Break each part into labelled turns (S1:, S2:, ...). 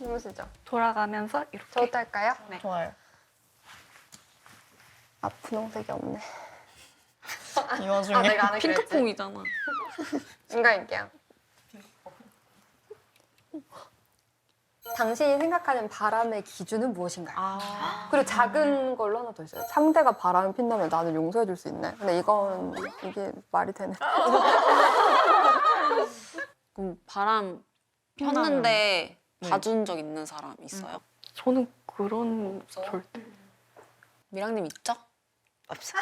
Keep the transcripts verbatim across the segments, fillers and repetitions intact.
S1: 해보시죠.
S2: 돌아가면서 이렇게.
S1: 저부터 할까요?
S2: 네.
S3: 좋아요.
S1: 아, 분홍색이 없네.
S3: 이 와중에
S1: 아, 내가 안 하기로 했지.
S2: 핑크퐁이잖아.
S1: 인간일게요. 당신이 생각하는 바람의 기준은 무엇인가요?
S3: 아.
S1: 그리고 작은 걸로 하나 더 있어요. 상대가 바람을 핀다면 나는 용서해 줄 수 있네. 근데 이건 이게 말이 되네.
S4: 그럼 바람 폈는데 봐준 적 있는 사람 있어요?
S2: 저는 그런 절대.
S4: 미랑님 있죠? 없어.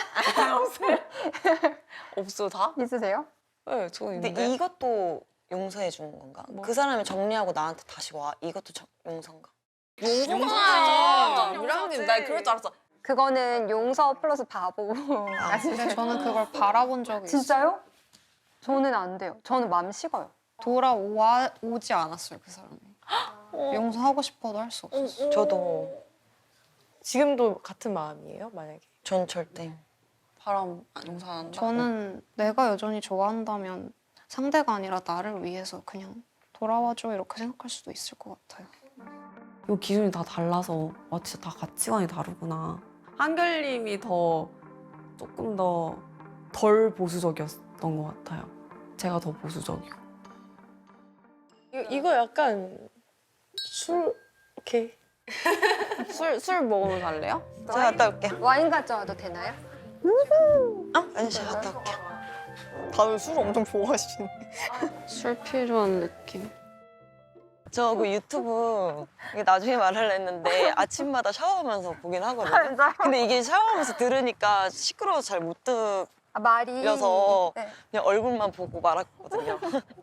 S4: 없어 다?
S1: 있으세요?
S4: 네, 저는
S5: 근데
S4: 있는데.
S5: 이것도 용서해 주는 건가?
S4: 뭐?
S5: 그 사람이 정리하고 나한테 다시 와. 이것도 정, 용서인가?
S4: 용서야. 미랑님 나 그럴 줄 알았어.
S1: 그거는 용서 플러스 바보. 아,
S3: 근데 저는 그걸 바라본 적이 있어요.
S1: 진짜요? 저는 안 돼요. 저는 마음 식어요.
S3: 돌아오지 않았어요, 그 사람이. 용서하고 싶어도 할 수 없었어요.
S5: 저도
S6: 지금도 같은 마음이에요, 만약에?
S5: 전 절대.
S4: 바람 안 용서 안 한다?
S3: 저는 내가 여전히 좋아한다면 상대가 아니라 나를 위해서 그냥 돌아와줘 이렇게 생각할 수도 있을 것 같아요.
S4: 이 기준이 다 달라서 아 진짜 다 가치관이 다르구나. 한결님이 더 조금 더 덜 보수적이었던 것 같아요. 제가 더 보수적이고.
S6: 이거, 이거 약간 술 이렇게
S4: 술, 술 먹으러 갈래요?
S5: 제가 갔다 올게요.
S1: 와인 가져와도 되나요?
S5: 어? 아니, 제가 갔다 올게요.
S3: 다들 술 엄청 좋아하시네.
S4: 술 필요한 느낌.
S5: 저 그 유튜브 이게 나중에 말하려 했는데 아침마다 샤워하면서 보긴 하거든요. 근데 이게 샤워하면서 들으니까 시끄러워서 잘 못 듣.
S1: 아, 말이.
S5: 그래서
S1: 네.
S5: 그냥 얼굴만 보고 말았거든요.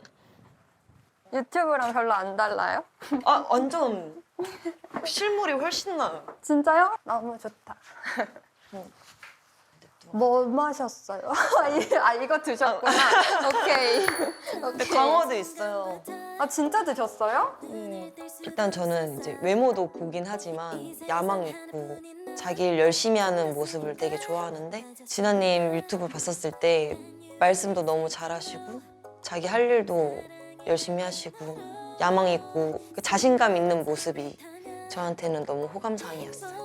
S1: 유튜브랑 별로 안 달라요?
S5: 아 완전 실물이 훨씬 나요.
S1: 진짜요? 너무 좋다. 뭐 마셨어요? 아, 이- 아 이거 드셨구나. 오케이.
S5: 근데
S1: 오케이.
S5: 광어도 있어요.
S1: 아 진짜 드셨어요?
S5: 일단 저는 이제 외모도 보긴 하지만 야망 있고 자기 일 열심히 하는 모습을 되게 좋아하는데 진아님 유튜브 봤었을 때 말씀도 너무 잘하시고 자기 할 일도 열심히 하시고 야망 있고 그 자신감 있는 모습이 저한테는 너무 호감상이었어요.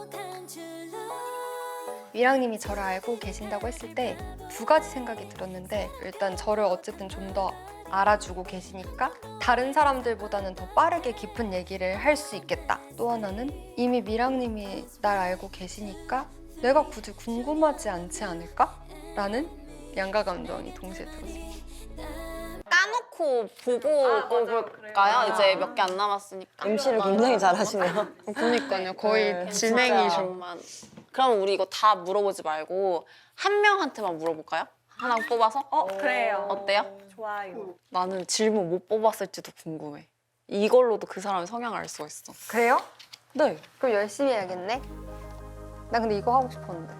S7: 미랑님이 저를 알고 계신다고 했을 때 두 가지 생각이 들었는데 일단 저를 어쨌든 좀 더 알아주고 계시니까 다른 사람들보다는 더 빠르게 깊은 얘기를 할 수 있겠다. 또 하나는 이미 미랑님이 날 알고 계시니까 내가 굳이 궁금하지 않지 않을까? 라는 양가 감정이 동시에 들었어요.
S4: 까놓고 보고 뽑을까요? 이제 몇 개 안 남았으니까.
S5: 엠시를 굉장히 잘하시네요.
S3: 그러니까요. 거의
S5: 네,
S3: 진행이죠.
S4: 진짜만. 그럼 우리 이거 다 물어보지 말고 한 명한테만 물어볼까요? 하나 뽑아서?
S2: 어, 그래요.
S4: 어때요?
S2: 좋아요.
S4: 나는 질문 못 뽑았을지도 궁금해. 이걸로도 그 사람의 성향을 알 수가 있어.
S1: 그래요?
S4: 네.
S1: 그럼 열심히 해야겠네. 나 근데 이거 하고 싶었는데.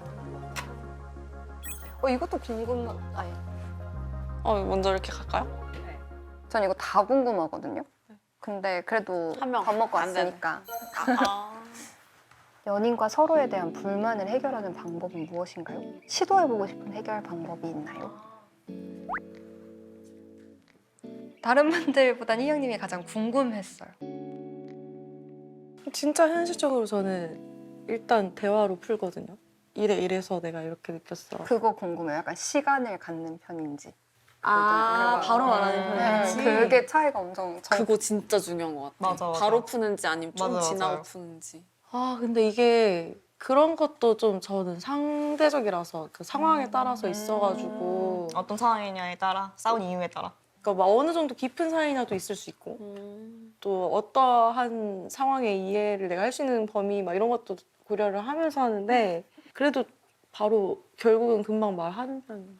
S1: 어 이것도 궁금한. 아니,
S4: 어, 먼저 이렇게 갈까요?
S1: 전 이거 다 궁금하거든요. 근데 그래도
S4: 한 명.
S1: 밥 먹고
S4: 안 되네.
S1: 왔으니까.
S4: 아.
S1: 연인과 서로에 대한 불만을 해결하는 방법은 무엇인가요? 시도해보고 싶은 해결 방법이 있나요?
S7: 다른 분들보단 희영님이 가장 궁금했어요.
S6: 진짜 현실적으로 저는 일단 대화로 풀거든요. 이래 이래서 내가 이렇게 느꼈어.
S1: 그거 궁금해요. 약간 시간을 갖는 편인지.
S4: 아,
S1: 그거.
S4: 바로 말하는
S1: 네,
S4: 편이지.
S1: 그게 차이가 엄청. 정...
S4: 그거 진짜 중요한 것 같아.
S5: 맞아, 맞아.
S4: 바로 푸는지 아니면 좀
S5: 맞아,
S4: 지나고
S5: 맞아요.
S4: 푸는지.
S6: 아 근데 이게 그런 것도 좀 저는 상대적이라서 그 상황에 따라서 있어가지고
S3: 어떤 상황이냐에 따라, 싸운 이유에 따라.
S6: 그러니까 막 어느 정도 깊은 사이냐도 있을 수 있고
S4: 음.
S6: 또 어떠한 상황의 이해를 내가 할 수 있는 범위 막 이런 것도 고려를 하면서 하는데 그래도 바로 결국은 금방 말하는 편이에요.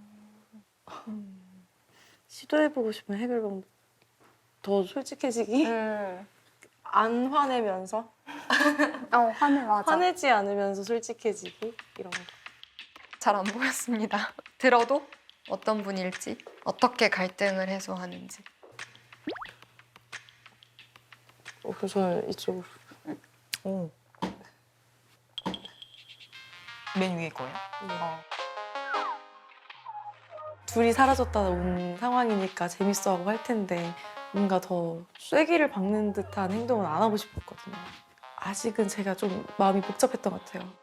S6: 시도해보고 싶은 해결 방법 더 솔직해지기?
S1: 음.
S6: 안 화내면서
S1: 어, 화내, 맞아.
S6: 화내지 않으면서 솔직해지기 이런 거.
S7: 잘 안 보였습니다. 들어도 어떤 분일지, 어떻게 갈등을 해소하는지.
S6: 어, 그래서 저는 이쪽으로.
S3: 오. 맨 위에 거예요?
S6: 둘이 사라졌다 온 상황이니까 재밌어하고 할 텐데 뭔가 더 쐐기를 박는 듯한 행동은 안 하고 싶었거든요. 아직은 제가 좀 마음이 복잡했던 것 같아요.